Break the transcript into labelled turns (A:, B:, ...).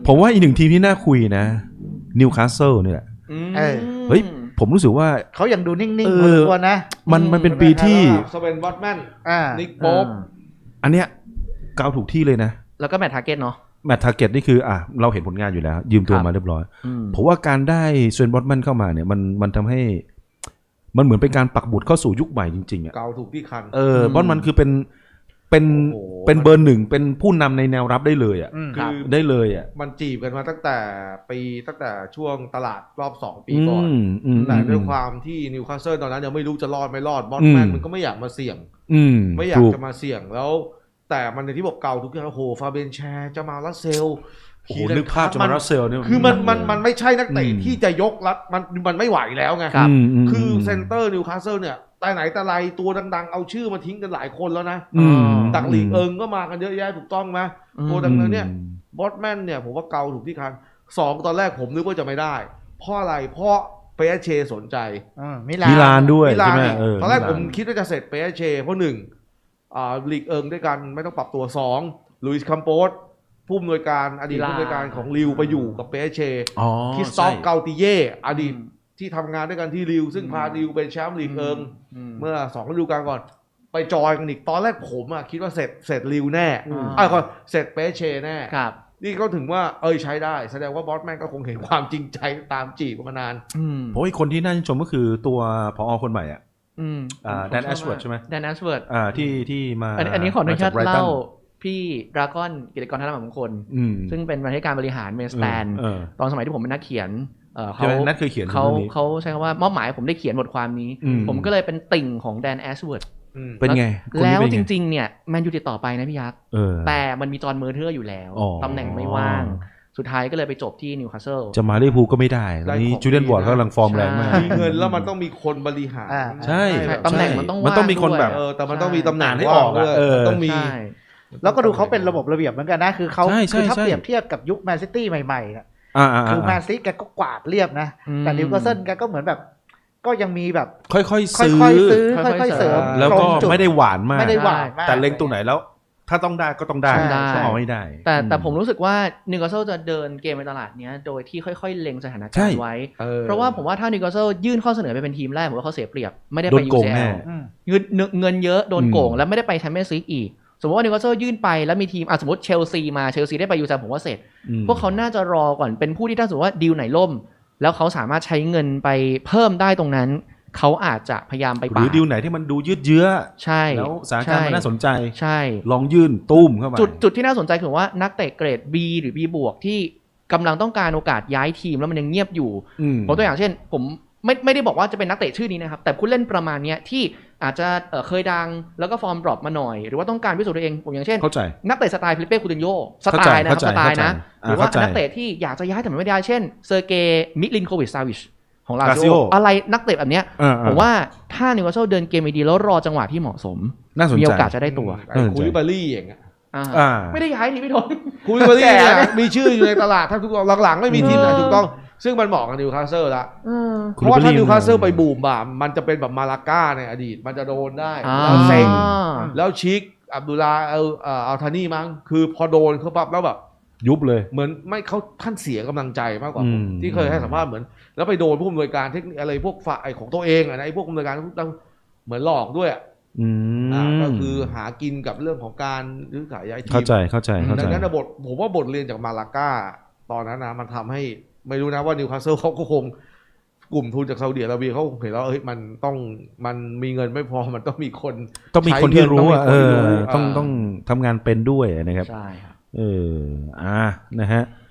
A: ผมว่าอีกหนึ่งทีมที่น่าคุยนะนิวคาสเซิลนี่แหละเฮ้ยผมรู้สึกว่า
B: เขายังดูนิ่งๆพอสมควรนะ
A: มันเป็นปีที่
C: สเวนบอตแมนนิกโป๊ป
A: อันเนี้ยเกาถูกที่เลยนะ
D: แล้วก็แมตต์ทาร์เก็ตเนาะ
A: แมตต์ทาร์เก็ตนี่คือเราเห็นผลงานอยู่แล้วยืมตัวมาเรียบร้อยผมว่าการได้สเวนบอตแมนเข้ามาเนี่ยมันทำให้มันเหมือนเป็นการปักบุตรเข้าสู่ยุคใหม่จริงๆอ่ะ
C: เกาถูกที่คัน
A: บอตมันคือเป็นเบอร์หนึ่งเป็นผู้นำในแนวรับได้เลยอ่ะคือได้เลยอ่ะ
C: มันจีบกันมาตั้งแต่ช่วงตลาดรอบ2 ปีก่อนแต่ด้วยความที่นิวคาสเซิลตอนนั้นยังไม่รู้จะรอดไม่รอดบอตแมนมันก็ไม่อยากมาเสี่ยงไม่อยากจะมาเสี่ยงแล้วแต่มันในที่บอกเก่าทุกอย่างโอ้โหฟาเบนแชร์จะมาลัสเซล
A: โอ้โหนึกภาพจะมาลัสเซลเนี่ย
C: คือมันไม่ใช่นักเตะที่จะยกรับมันไม่ไหวแล้วไงคือเซนเตอร์นิวคาสเซิลเนี่ยแต่ไหนแต่ไรตัวดังๆเอาชื่อมาทิ้งกันหลายคนแล้วนะตักลีกก็มากันเยอะแยะถูกต้องไหมตัวดังนั้นเนี่ยบอตแมนเนี่ยผมว่าเกาถูกที่คัน2ตอนแรกผมนึกว่าจะไม่ได้เพราะอะไรเพราะเปเชสนใจ
A: มิลานด้วยใช่ไหม
C: ตอนแรกผมคิดว่าจะเสร็จเปเชเพราะ1ลีกด้วยกันไม่ต้องปรับตัว2ลุยส์คัมโปสผู้อำนวยการอดีตผู้อำนวยการของลิวไปอยู่กับเปเชคริสตอฟเกาติเย่อดีตที่ทำงานด้วยกันที่ลิวซึ่งพาลิวเป็นแชมป์ลีกเมื่อ2ฤดูกาลก่อนไปจอยกันอีกตอนแรกผมคิดว่าเสร็จลิวแน่ก็เสร็จเปเชแน่นี่เขาถึงว่าใช้ได้แสดงว่าบอสแมนก็คงเห็นความจริงใจตามจีบมานาน
A: เพราะอีกคนที่น่าชื่นชมก็คือตัวผอ.คนใหม่แดนแอชเวิร์ดใช่ไหม
D: แดนแอชเวิร์ด
A: ที่มา
D: อันนี้ขออนุญาตเล่าพี่ดราก้อนกิจกรธนมงคลซึ่งเป็นบรรณาธิการบริหารเมสแตนตอนสมัยที่ผมเป็นนักเขียนเขาใช้คำว่ามอบหมายผมได้เขียนบทความนี้ผมก็เลยเป็นติ่งของแดนแอชเวิร์ด
A: เป็นไง
D: แล้วจริงๆเนี่ยแมนยูติดต่อไปนะพี่ยักษ์แต่มันมีจอห์นเมอร์เทอร์อยู่แล้วตำแหน่งไม่ว่างสุดท้ายก็เลยไปจบที่นิวคาสเซิล
A: จะมาลิเวอร์พูลก็ไม่ได้ตอนนี้จูเลียนวอร์ดกำลังฟอร์มแรงมาก
C: มีเงินแล้วมันต้องมีคนบริหาร
A: ใช่
D: ตำแหน่งมันต้อง
A: มีคนแบบ
C: แต่มันต้องมีตำแหน่งให้ออกต้องมี
B: แล้วก็ดูเขาเป็นระบบระเบียบเหมือนกันนะคือเขาคือถ้าเปรียบเทียบกับยุคแมนซิตี้ใหม่ๆนะคือแมนซิตี้แกก็กวาดเรียบนะแต่นิวคาสเซิลแกก็เหมือนแบบก็ยังมีแบบ
A: ค่อยๆซื้อ
B: ค่อยๆเสริม
A: แล้วก็ไม่ได้หวานมากแต่เล็งตัวไหนแล้วถ้าต้องได้ก็ต้องได้ต้องเอาให้ได้
D: แต่ผมรู้สึกว่านิวคาสเซิลจะเดินเกมในตลาดนี้โดยที่ค่อยๆเล็งสถานการณ์ไว้เพราะว่าผมว่าถ้านิวคาสเซิลยื่นข้อเสนอไปเป็นทีมแรกผมว่าเขาเสียเปรียบไม่ได้ไป UCL เงินเยอะโดนโกงแล้วไม่ได้ไปแชมเปี้ยนส์ลีกอีกสมมติว่านิวคาสเซิลยื่นไปแล้วมีทีมสมมติเชลซีได้ไป UCL ผมว่าเสร็จพวกเขาน่าจะรอก่อนเป็นผู้ที่ถ้าสมมติว่าดีลไหนล่มแล้วเขาสามารถใช้เงินไปเพิ่มได้ตรงนั้นเขาอาจจะพยายามไป
A: หรือดีลไหนที่มันดูยืดเยื้อ
D: ใช่
A: แล้วสถานการณ์มันน่าสนใจ
D: ใช่
A: ลองยื่นตุ้มเข้ามา
D: จุดที่น่าสนใจคือว่านักเตะเกรด B หรือ B บวกที่กำลังต้องการโอกาสย้ายทีมแล้วมันยังเงียบอยู่ผมตัวอย่างเช่นผมไม่ได้บอกว่าจะเป็นนักเตะชื่อนี้นะครับแต่ผู้เล่นประมาณนี้ที่อาจจะเคยดังแล้วก็ฟอร์มดรอปมาหน่อยหรือว่าต้องการพิสูจน์ตัวเองผมอย่างเช่นนักเตะสไตล์ฟิลิปเป้คูตินโญ่สไตล์นะครับสไตล์นะหรือว่านักเตะที่อยากจะย้ายแต่ไม่ได้เช่นเซอร์เกย์มิลินโควิชซาวิชของลาซิโออะไรนักเตะแบบเนี้ยผมว่าถ้านิวคาสเซิลเดินเกมดีแล้วรอจังหวะที่เหมาะสมมีโอกาสจะได้ตัว
C: คูลิบาลี่อย่างเงี้ย
D: ไม่ได้ย้ายนี่พี่ทน
C: คูลิบาลี่มีชื่ออยู่ในตลาดถ้าทุกหลังๆไม่มีทีมไหนถูกต้องซึ่งมันเหมาะกับนิวคาสเซิลละเพราะว่าถ้านิวคาสเซิลไปบูมบ่ามมันจะเป็นแบบมาลาก้าในอดีตมันจะโดนได้แล้วเซ็งแล้วชิคอับดุลลาอัลทานีมั้งคือพอโดนเขาปั๊บแล้วแบบ
A: ยุบเลย
C: เหมือนไม่เขาท่านเสียกำลังใจมากกว่าผมที่เคยให้สัมภาษณ์เหมือนแล้วไปโดนผู้อำนวยการเทคนิคอะไรพวกฝ่ายของตัวเองไอ้พวกอำนวยการเหมือนหลอกด้วยก็คือหากินกับเรื่องของการซื้อขายย้ายทีม
A: เข้าใจ
C: ดังนั้นผมว่าบทเรียนจากมาลาก้าตอนนั้นนะมันทำให้ไม่รู้นะว่านิวคาสเซิลเขาก็คงกลุ่มทุนจากซาอุดิอาระเบียเขาเห็นแล้วมันมีเงินไม่พอมันต้องมีคน
A: ที่รู้ต้องทำงานเป็นด้วยนะครับ
D: ใช่ครับ
A: นะฮะ